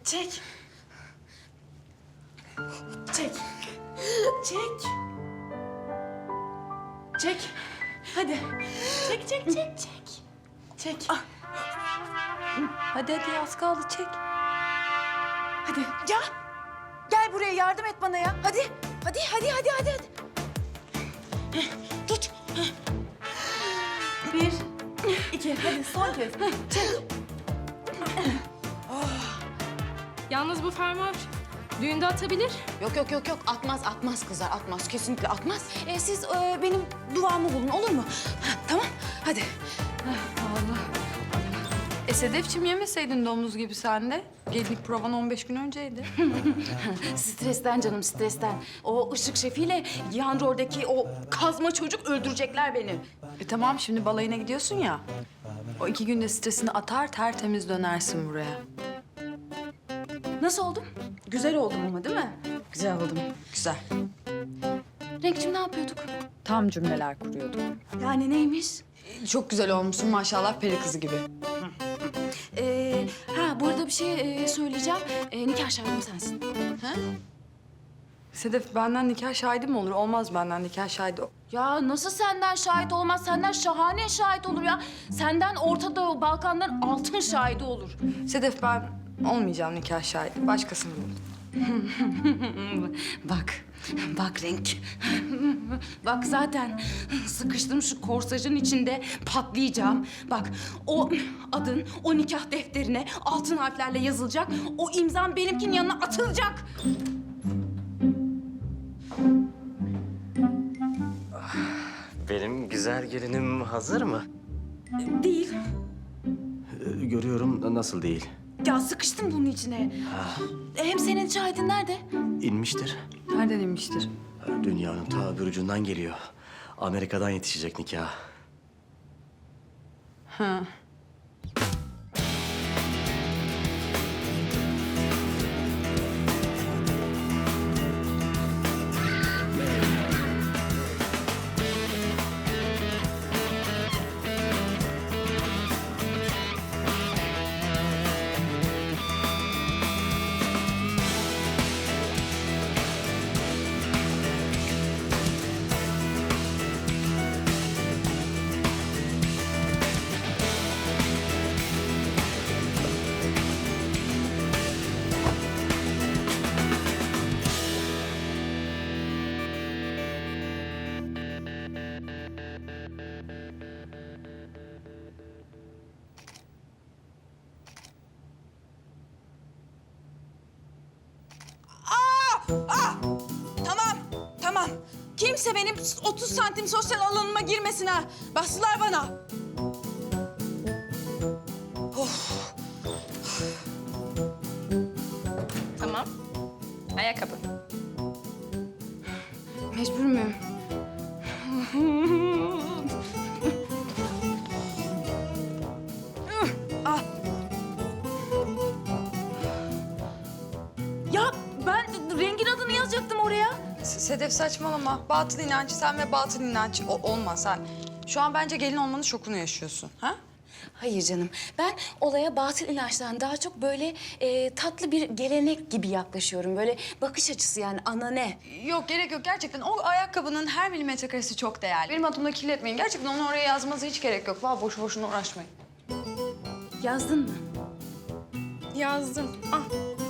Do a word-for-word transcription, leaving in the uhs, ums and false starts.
Çek. Çek. Çek. Çek. Hadi. Çek, çek, çek, çek. Çek. Hadi hadi az kaldı çek. Hadi. Ya. Gel buraya yardım et bana ya. Hadi. Hadi, hadi, hadi, hadi. hadi. Tut. Bir, iki. Hadi son kez. Çek. Yalnız bu fermuar düğünde atabilir. Yok, yok, yok, yok. Atmaz, atmaz kızlar. Atmaz. Kesinlikle atmaz. Ee, siz e, benim duamı bulun, olur mu? Ha, tamam. Hadi. E Sedefciğim yemeseydin domuz gibi sen de. Gelinlik provan on beş gün önceydi. Stresten canım, stresten. O ışık şefiyle yan roldeki o kazma çocuk öldürecekler beni. E tamam şimdi balayına gidiyorsun ya. O iki günde stresini atar tertemiz dönersin buraya. Nasıl oldum? Güzel oldum ama değil mi? Güzel oldum. Güzel. Renkçim ne yapıyorduk? Tam cümleler kuruyordum. Yani neymiş? Çok güzel olmuşsun maşallah peri kızı gibi. Ee, ha bu arada bir şey e, söyleyeceğim. Ee, nikah şahidim sensin. Ha? Sedef benden nikah şahidi mi olur? Olmaz benden nikah şahidi. Ya nasıl senden şahit olmaz? Senden şahane şahit olur ya. Senden Orta Doğu, Balkanların altın şahidi olur. Sedef ben olmayacağım nikah şahidi. Başkasını bul. Bak, bak renk. Bak zaten sıkıştım şu korsajın içinde patlayacağım. Bak o adın o nikah defterine altın harflerle yazılacak. O imzam benimkinin yanına atılacak. Benim güzel gelinim hazır mı? Değil. Ee, görüyorum nasıl değil. Ya sıkıştım bunun içine. Hem senin şahidin nerede? İnmiştir. Nereden inmiştir? Dünyanın ta bir ucundan geliyor. Amerika'dan yetişecek nikah. Ha. Ah! Tamam, tamam. Kimse benim otuz santim sosyal alanıma girmesin ha. Bastılar bana. Tamam. Ayakkabı. Mecbur muyum? Ah. Ya ben rengin adını yazacaktım oraya. S- Sedef saçmalama. Batıl inancı sen ve batıl inancı o- olmaz ha. Şu an bence gelin olmanın şokunu yaşıyorsun. Ha? Hayır canım. Ben olaya batıl inançtan daha çok böyle e, tatlı bir gelenek gibi yaklaşıyorum. Böyle bakış açısı yani ana ne? Yok gerek yok gerçekten. O ayakkabının her milimetre karesi çok değerli. Benim adımla kirletmeyin. Gerçekten onu oraya yazmanıza hiç gerek yok. Vallahi boşu boşuna uğraşmayın. Yazdın mı? Yazdım. Ah.